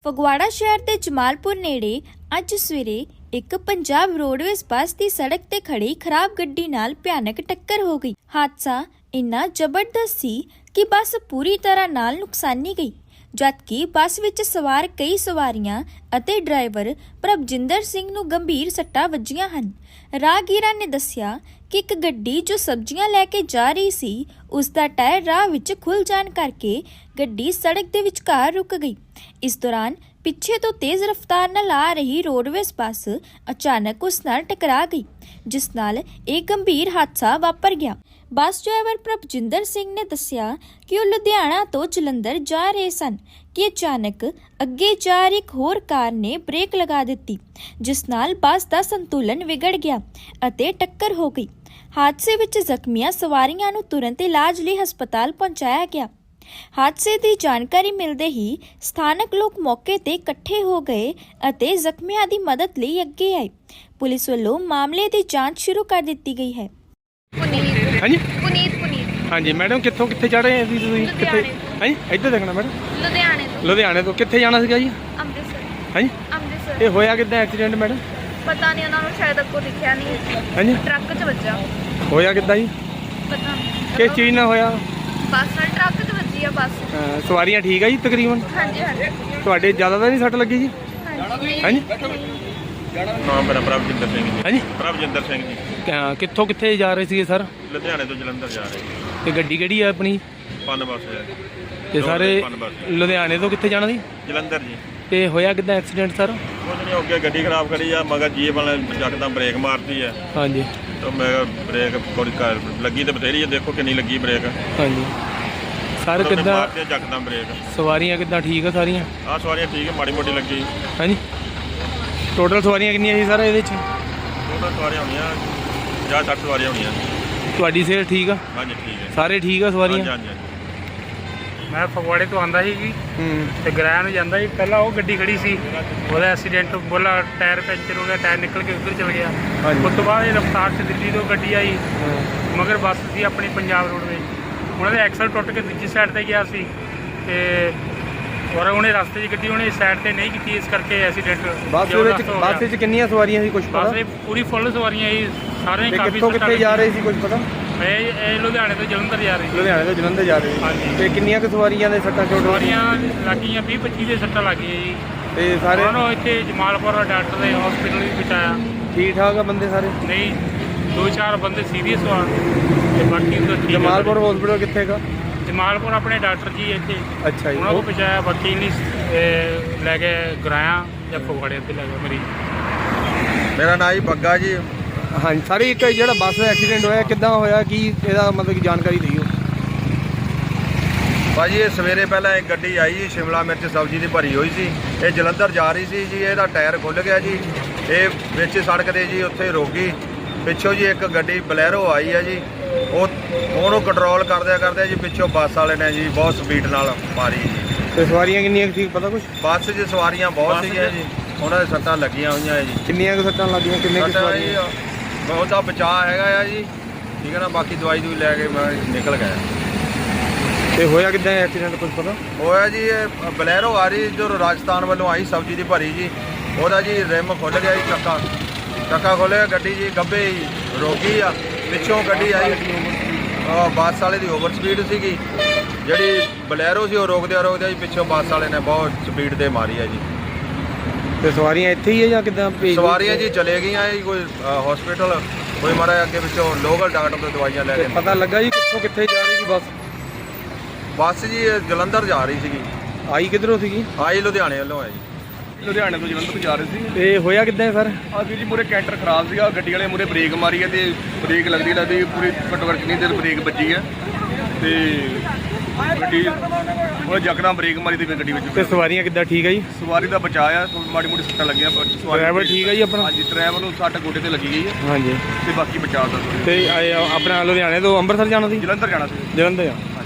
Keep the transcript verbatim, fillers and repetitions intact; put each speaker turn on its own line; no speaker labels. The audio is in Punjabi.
ਫਗਵਾੜਾ ਸ਼ਹਿਰ ਦੇ ਜਮਾਲਪੁਰ ਨੇੜੇ ਅੱਜ ਸਵੇਰੇ ਇੱਕ ਪੰਜਾਬ ਰੋਡਵੇਜ਼ ਬੱਸ ਦੀ ਸੜਕ ਤੇ ਖੜੀ ਖਰਾਬ ਗੱਡੀ ਨਾਲ ਭਿਆਨਕ ਟੱਕਰ ਹੋ ਗਈ। ਹਾਦਸਾ ਇੰਨਾ ਜ਼ਬਰਦਸਤ ਸੀ ਕਿ ਬੱਸ ਪੂਰੀ ਤਰ੍ਹਾਂ ਨਾਲ ਨੁਕਸਾਨੀ ਗਈ, ਜਦਕਿ ਬੱਸ ਵਿੱਚ ਸਵਾਰ ਕਈ ਸਵਾਰੀਆਂ ਅਤੇ ਡਰਾਈਵਰ ਪ੍ਰਭਜਿੰਦਰ ਸਿੰਘ ਨੂੰ ਗੰਭੀਰ ਸੱਟਾਂ ਵੱਜੀਆਂ ਹਨ। ਰਾਹਗੀਰਾਂ ਨੇ ਦੱਸਿਆ ਕਿ ਇੱਕ ਗੱਡੀ ਜੋ ਸਬਜ਼ੀਆਂ ਲੈ ਕੇ ਜਾ ਰਹੀ ਸੀ, ਉਸ ਦਾ ਟਾਇਰ ਰਾਹ ਵਿੱਚ ਖੁੱਲ ਜਾਣ ਕਰਕੇ ਗੱਡੀ ਸੜਕ ਦੇ ਵਿਚਕਾਰ ਰੁਕ ਗਈ। ਇਸ ਦੌਰਾਨ ਪਿੱਛੇ ਤੋਂ ਤੇਜ਼ ਰਫ਼ਤਾਰ ਨਾਲ ਆ ਰਹੀ ਰੋਡਵੇਜ਼ ਬੱਸ ਅਚਾਨਕ ਉਸ ਨਾਲ ਟਕਰਾ ਗਈ, ਜਿਸ ਨਾਲ ਇਹ ਗੰਭੀਰ ਹਾਦਸਾ ਵਾਪਰ ਗਿਆ। ਬੱਸ ਡਰਾਈਵਰ ਪ੍ਰਭਜਿੰਦਰ ਸਿੰਘ ਨੇ ਦੱਸਿਆ ਕਿ ਉਹ ਲੁਧਿਆਣਾ ਤੋਂ ਜਲੰਧਰ ਜਾ ਰਹੇ ਸਨ ਕਿ ਅਚਾਨਕ ਅੱਗੇ ਜਾ ਰਹੀ ਇੱਕ ਹੋਰ ਕਾਰ ਨੇ ਬ੍ਰੇਕ ਲਗਾ ਦਿੱਤੀ, ਜਿਸ ਨਾਲ ਬੱਸ ਦਾ ਸੰਤੁਲਨ ਵਿਗੜ ਗਿਆ ਅਤੇ ਟੱਕਰ ਹੋ ਗਈ। ਹਾਦਸੇ ਵਿੱਚ ਜ਼ਖਮੀਆਂ ਸਵਾਰੀਆਂ ਨੂੰ ਤੁਰੰਤ ਇਲਾਜ ਲਈ ਹਸਪਤਾਲ ਪਹੁੰਚਾਇਆ ਗਿਆ। ਹਾਦਸੇ ਦੀ ਜਾਣਕਾਰੀ ਮਿਲਦੇ ਹੀ ਸਥਾਨਕ ਲੋਕ ਮੌਕੇ ਤੇ ਇਕੱਠੇ ਹੋ ਗਏ ਅਤੇ ਜ਼ਖਮੀਆਂ ਦੀ ਮਦਦ ਲਈ ਅੱਗੇ ਆਏ। ਪੁਲਿਸ ਵੱਲੋਂ ਮਾਮਲੇ ਦੀ ਜਾਂਚ ਸ਼ੁਰੂ ਕਰ ਦਿੱਤੀ ਗਈ ਹੈ।
ਪੁਨੀਤ
ਹਾਂਜੀ
ਪੁਨੀਤ ਪੁਨੀਤ
ਹਾਂਜੀ ਮੈਡਮ, ਕਿੱਥੋਂ ਕਿੱਥੇ ਚੜ ਰਹੇ ਸੀ ਤੁਸੀਂ? ਕਿੱਥੇ? ਹਾਂਜੀ ਇੱਧਰ ਦੇਖਣਾ ਮੈਡਮ।
ਲੁਧਿਆਣੇ ਤੋਂ
ਲੁਧਿਆਣੇ ਤੋਂ ਕਿੱਥੇ ਜਾਣਾ ਸੀਗਾ ਜੀ?
ਅੰਮ੍ਰਿਤਸਰ
ਹਾਂਜੀ
ਅੰਮ੍ਰਿਤਸਰ
ਇਹ ਹੋਇਆ ਕਿੱਦਾਂ ਐਕਸੀਡੈਂਟ ਮੈਡਮ?
ਪਤਾ ਨਹੀਂ, ਉਹਨਾਂ ਨੂੰ ਸ਼ਾਇਦ ਅੱਗੋਂ ਦਿਖਿਆ ਨਹੀਂ,
ਹਾਂਜੀ
ਟਰੱਕ 'ਚ ਵੱਜਾ।
ਹੋਇਆ ਕਿੱਦਾਂ ਜੀ?
ਪਤਾ ਨਹੀਂ
ਕਿਸ ਚੀਜ਼ ਨਾਲ ਹੋਇਆ?
ਬੱਸ ਨਾਲ ਟਰੱਕ 'ਚ ਵੱਜੀ ਆ ਬੱਸ।
ਅਹ ਸਵਾਰੀਆਂ ਠੀਕ ਆ ਜੀ ਤਕਰੀਬਨ?
ਹਾਂਜੀ ਹਾਂਜੀ
ਤੁਹਾਡੇ ਜ਼ਿਆਦਾ ਤਾਂ ਨਹੀਂ ਸੱਟ ਲੱਗੀ ਜੀ?
ਹਾਂਜੀ
ਹਾਂਜੀ
ਨਾਮ ਮੇਰਾ ਪ੍ਰਭਜਿੰਦਰ ਸਿੰਘ ਜੀ।
ਹਾਂਜੀ
ਪ੍ਰਭਜਿੰਦਰ ਸਿੰਘ ਜੀ,
ਕ- ਕਿੱਥੋਂ ਕਿੱਥੇ ਜਾ ਰਹੇ ਸੀਗੇ ਸਰ?
ਲੁਧਿਆਣੇ ਤੋਂ ਜਲੰਧਰ ਜਾ ਰਹੇ
ਤੇ ਗੱਡੀ ਕਿਹੜੀ ਆ ਆਪਣੀ?
ਪੰਨ ਬੱਸ ਹੈ।
ਤੇ ਸਾਰੇ
ਪੰਨ ਬੱਸ
ਲੁਧਿਆਣੇ ਤੋਂ ਕਿੱਥੇ ਜਾਣਾ ਸੀ?
ਜਲੰਧਰ ਜੀ।
ਤੇ ਹੋਇਆ ਕਿੱਦਾਂ ਐਕਸੀਡੈਂਟ ਸਰ?
ਕੁਝ ਨਹੀਂ, ਅੱਗੇ ਗੱਡੀ ਖਰਾਬ ਖੜੀ ਆ, ਮਗਰ ਜੀਪ ਵਾਲੇ ਯਕਦਮ ਬ੍ਰੇਕ ਮਾਰਤੀ ਹੈ।
ਹਾਂਜੀ
ਤਾਂ ਮੈਂ ਬ੍ਰੇਕ ਥੋੜੀ ਲੱਗੀ ਤੇ ਬਥੇਰੀ ਹੈ, ਦੇਖੋ ਕਿੰਨੀ ਲੱਗੀ ਬ੍ਰੇਕ।
ਹਾਂਜੀ ਸਰ
ਉਹਨੇ
ਕਿੱਦਾਂ
ਮਾਰਤੀ ਯਕਦਮ ਬ੍ਰੇਕ।
ਸਵਾਰੀਆਂ ਕਿੱਦਾਂ ਠੀਕ ਆ ਸਾਰੀਆਂ?
ਆਹ ਸਵਾਰੀਆਂ ਠੀਕ ਹੈ, ਮਾੜੀ ਮੋਟੀ ਲੱਗੀ।
ਹਾਂਜੀ ਟੋਟਲ ਸਵਾਰੀਆਂ ਕਿੰਨੀਆਂ ਸੀ ਸਰ ਇਹਦੇ 'ਚ?
ਉਹਨਾਂ ਸਵਾਰੀਆਂ ਹੋਣੀਆਂ ਪੰਜਾਹ ਸੱਠ ਸਵਾਰੀਆਂ ਹੋਣੀਆਂ।
ਤੁਹਾਡੀ ਸਿਹਤ ਠੀਕ ਆ?
ਹਾਂਜੀ ਠੀਕ ਹੈ।
ਸਾਰੇ ਠੀਕ ਆ ਸਵਾਰੀਆਂ?
ਹਾਂਜੀ ਹਾਂਜੀ
ਮੈਂ ਫਗਵਾੜੇ ਤੋਂ ਆਂਦਾ ਸੀ ਜੀ
ਹੂੰ
ਤੇ ਗਰਾਇਆ ਨੂੰ ਜਾਂਦਾ ਸੀ। ਪਹਿਲਾਂ ਉਹ ਗੱਡੀ ਖੜੀ ਸੀ, ਉਹਦਾ ਐਕਸੀਡੈਂਟ ਬੋਲਾ ਟਾਇਰ ਪੈਂਚਰ ਹੋ ਗਿਆ, ਟਾਇਰ ਨਿਕਲ ਕੇ ਉੱਧਰ ਚਲ ਗਿਆ।
ਹਾਂਜੀ।
ਉਸ ਤੋਂ ਬਾਅਦ ਇਹ ਰਫਤਾਰ 'ਚ ਦਿੱਲੀ ਤੋਂ ਗੱਡੀ ਆਈ, ਮਗਰ ਬੱਸ ਸੀ ਆਪਣੀ ਪੰਜਾਬ ਰੋਡਵੇਜ਼, ਉਹਨਾਂ ਦੇ ਐਕਸਲ ਟੁੱਟ ਕੇ ਦੂਜੀ ਸਾਈਡ 'ਤੇ ਗਿਆ ਸੀ ਤੇ ਔਰ ਉਹਨੇ ਰਸਤੇ 'ਚ ਗੱਡੀ ਉਹਨੇ ਸਾਈਡ 'ਤੇ ਨਹੀਂ ਕੀਤੀ, ਇਸ ਕਰਕੇ ਐਕਸੀਡੈਂਟ
ਬੱਸ ਦੇ ਵਿੱਚ ਬੱਸ ਵਿੱਚ ਕਿੰਨੀਆਂ ਸਵਾਰੀਆਂ ਸੀ ਕੁਝ ਪਤਾ?
ਬੱਸ ਪੂਰੀ ਫੁੱਲ ਸਵਾਰੀਆਂ ਸੀ, ਸਾਰੇ
ਤੇ
ਕਾਫੀ
ਕਿੱਥੋਂ ਕਿੱਥੇ ਜਾ ਰਹੇ ਸੀ ਕੁਝ ਪਤਾ?
ਇਹ ਇਹ ਲੁਧਿਆਣੇ ਤੋਂ ਜਲੰਧਰ ਜਾ ਰਹੀ ਸੀ।
ਲੁਧਿਆਣੇ ਤੋਂ ਜਲੰਧਰ ਜਾ ਰਹੇ ਸੀ।
ਹਾਂਜੀ।
ਤੇ ਕਿੰਨੀਆਂ ਕੁ ਸਵਾਰੀਆਂ ਦੇ ਸੱਟਾਂ ਚੋਟ?
ਸਵਾਰੀਆਂ ਲੱਗੀਆਂ ਵੀਹ ਪੱਚੀ ਦੇ ਸੱਟਾਂ ਲੱਗੀਆਂ ਜੀ।
ਤੇ ਸਾਰੇ
ਉਹਨਾਂ ਨੂੰ ਇੱਥੇ ਜਮਾਲਪੁਰ ਡਾਕਟਰ ਦੇ ਹਸਪੀਟਲ ਵੀ ਪਹੁੰਚਾਇਆ।
ਠੀਕ ਠਾਕ ਆ ਬੰਦੇ ਸਾਰੇ?
ਨਹੀਂ, ਦੋ ਚਾਰ ਬੰਦੇ ਸੀਰੀਅਸ ਆ ਤੇ ਬਾਕੀ ਤਾਂ ਠੀਕ ਆ।
ਜਮਾਲਪੁਰ ਹਸਪੀਟਲ ਕਿੱਥੇ ਹੈਗਾ?
ਜਮਾਲਪੁਰ ਆਪਣੇ ਡਾਕਟਰ ਜੀ ਇੱਥੇ,
ਅੱਛਾ ਜੀ।
ਉਹਨਾਂ ਨੂੰ ਪਹੁੰਚਾਇਆ। ਬਾਕੀ ਨਹੀਂ ਲੈ ਕੇ ਗਰਾਇਆ ਜਾਂ ਫਗਵਾੜੇ ਤੇ ਲੈ ਗਏ ਮਰੀਜ਼।
ਮੇਰਾ ਨਾਂ ਜੀ ਬੱਗਾ ਜੀ।
ਹਾਂਜੀ ਸਾਰੇ ਇੱਕ ਜਿਹੜਾ ਬੱਸ ਦਾ ਐਕਸੀਡੈਂਟ ਹੋਇਆ ਕਿੱਦਾਂ ਹੋਇਆ, ਕੀ ਇਹਦਾ ਮਤਲਬ ਕਿ ਜਾਣਕਾਰੀ ਦਿਓ।
ਭਾਜੀ ਇਹ ਸਵੇਰੇ ਪਹਿਲਾਂ ਇੱਕ ਗੱਡੀ ਆਈ ਜੀ, ਸ਼ਿਮਲਾ ਮਿਰਚ ਸਬਜ਼ੀ ਦੀ ਭਰੀ ਹੋਈ ਸੀ। ਇਹ ਜਲੰਧਰ ਜਾ ਰਹੀ ਸੀ ਜੀ, ਇਹਦਾ ਟਾਇਰ ਖੁੱਲ੍ਹ ਗਿਆ ਜੀ, ਇਹ ਵਿੱਚ ਸੜਕ ਦੇ ਜੀ ਉੱਥੇ ਰੁਕ ਗਈ। ਪਿੱਛੋਂ ਜੀ ਇੱਕ ਗੱਡੀ ਬਲੈਰੋ ਆਈ ਹੈ ਜੀ, ਉਹ ਉਹਨੂੰ ਕੰਟਰੋਲ ਕਰਦਿਆਂ ਕਰਦਿਆਂ ਜੀ ਪਿੱਛੋਂ ਬੱਸ ਵਾਲੇ ਨੇ ਜੀ ਬਹੁਤ ਸਪੀਡ ਨਾਲ ਮਾਰੀ ਜੀ।
ਤੇ ਸਵਾਰੀਆਂ ਕਿੰਨੀਆਂ ਕੁ ਸੀ ਪਤਾ ਕੁਛ?
ਬੱਸ 'ਚ ਸਵਾਰੀਆਂ ਬਹੁਤ ਸੀਗੀਆਂ ਜੀ, ਉਹਨਾਂ ਦੇ ਸੱਟਾਂ ਲੱਗੀਆਂ ਹੋਈਆਂ ਹੈ ਜੀ।
ਕਿੰਨੀਆਂ ਕੁ ਸੱਟਾਂ ਲੱਗੀਆਂ? ਕਿੰਨੇ ਕੁ
ਸੱਟਾਂ ਜੀ
ਸਵਾਰੀਆਂ?
ਬਹੁਤ ਦਾ ਬਚਾਅ ਹੈਗਾ ਆ ਜੀ, ਠੀਕ ਹੈ ਨਾ। ਬਾਕੀ ਦਵਾਈ ਦੂਈ ਲੈ ਕੇ ਮੈਂ ਨਿਕਲ ਗਿਆ।
ਤੇ ਹੋਇਆ ਕਿੱਦਾਂ ਐਕਸੀਡੈਂਟ ਕੁਝ ਪਤਾ?
ਹੋਇਆ ਜੀ ਇਹ ਬਲੈਰੋ ਆ ਰਹੀ ਜੋ ਰਾਜਸਥਾਨ ਵੱਲੋਂ ਆਈ ਸਬਜ਼ੀ ਦੀ ਭਰੀ ਜੀ, ਉਹਦਾ ਜੀ ਰਿਮ ਖੁੱਲ੍ਹ ਗਿਆ ਜੀ, ਚੱਕਾ ਚੱਕਾ ਖੋਲ੍ਹਿਆ, ਗੱਡੀ ਜੀ ਗੱਭੇ ਹੀ ਰੋਕੀ ਆ। ਪਿੱਛੋਂ ਗੱਡੀ ਆਈ, ਬੱਸ ਵਾਲੇ ਦੀ ਓਵਰ ਸਪੀਡ ਸੀਗੀ, ਜਿਹੜੀ ਬਲੈਰੋ ਸੀ ਉਹ ਰੋਕਦਿਆਂ ਰੋਕਦਿਆਂ ਜੀ ਪਿੱਛੋਂ ਬੱਸ ਵਾਲੇ ਨੇ ਬਹੁਤ ਸਪੀਡ ਦੇ ਮਾਰੀ ਹੈ ਜੀ।
ਤੇ ਸਵਾਰੀਆਂ ਇੱਥੇ ਹੀ ਹੈ ਜਾਂ ਕਿੱਦਾਂ?
ਸਵਾਰੀਆਂ ਜੀ ਚਲੇ ਗਈਆਂ ਜੀ, ਕੋਈ ਹਸਪੀਟਲ, ਕੋਈ ਮਾਰਾ ਅੱਗੇ ਪਿੱਛੋਂ ਲੋਕਲ ਡਾਕਟਰ ਤੋਂ ਦਵਾਈਆਂ ਲੈ ਕੇ।
ਪਤਾ ਲੱਗਾ ਜੀ ਕਿੱਥੋਂ ਕਿੱਥੇ ਜਾ ਰਹੀ ਸੀ ਬੱਸ?
ਬੱਸ ਜੀ ਇਹ ਜਲੰਧਰ ਜਾ ਰਹੀ ਸੀਗੀ।
ਆਈ ਕਿੱਧਰੋਂ ਸੀਗੀ?
ਆਈ ਲੁਧਿਆਣੇ ਵੱਲੋਂ ਹੈ ਜੀ।
ਲੁਧਿਆਣੇ ਤੋਂ ਜਲੰਧਰ ਜਾ ਰਹੇ ਸੀ।
ਤੇ ਹੋਇਆ ਕਿੱਦਾਂ ਸਰ?
ਆ ਵੀਰ ਜੀ ਮੂਰੇ ਕੈਂਟਰ ਖਰਾਬ ਸੀਗਾ, ਗੱਡੀ ਵਾਲੇ ਮੂਰੇ ਬ੍ਰੇਕ ਮਾਰੀ ਹੈ ਤੇ ਬ੍ਰੇਕ ਲੱਗਦੀ ਲੱਗਦੀ ਪੂਰੀ ਘੱਟੋ ਘੱਟ ਕਿੰਨੀ ਦੇਰ ਬ੍ਰੇਕ ਵੱਜੀ ਹੈ ਤੇ ਗੱਡੀ ਉਹ ਯਕਦਮ ਬ੍ਰੇਕ ਮਾਰੀ ਤੇ ਫਿਰ ਗੱਡੀ ਵਿੱਚ।
ਤੇ ਸਵਾਰੀਆਂ ਕਿੱਦਾਂ ਠੀਕ ਹੈ ਜੀ?
ਸਵਾਰੀ ਦਾ ਬਚਾਅ ਆ, ਮਾੜੀ ਮੋਟੀ ਸੱਟਾਂ ਲੱਗੀਆਂ ਪਰ ਸਵਾਰੀ
ਡਰਾਈਵਰ ਠੀਕ ਹੈ ਜੀ ਆਪਣਾ?
ਹਾਂਜੀ, ਡਰਾਈਵਰ ਨੂੰ ਸੱਟ ਗੋਡੇ ਤੇ ਲੱਗੀ ਗਈ ਹੈ
ਹਾਂਜੀ।
ਤੇ ਬਾਕੀ ਬਚਾਅ ਦਾ।
ਤੇ ਇਹ ਆਪਣਾ ਲੁਧਿਆਣੇ ਤੋਂ ਅੰਮ੍ਰਿਤਸਰ ਜਾਣਾ ਸੀ?
ਜਲੰਧਰ ਜਾਣਾ ਸੀ।
ਜਲੰਧਰ ਜਾਣਾ।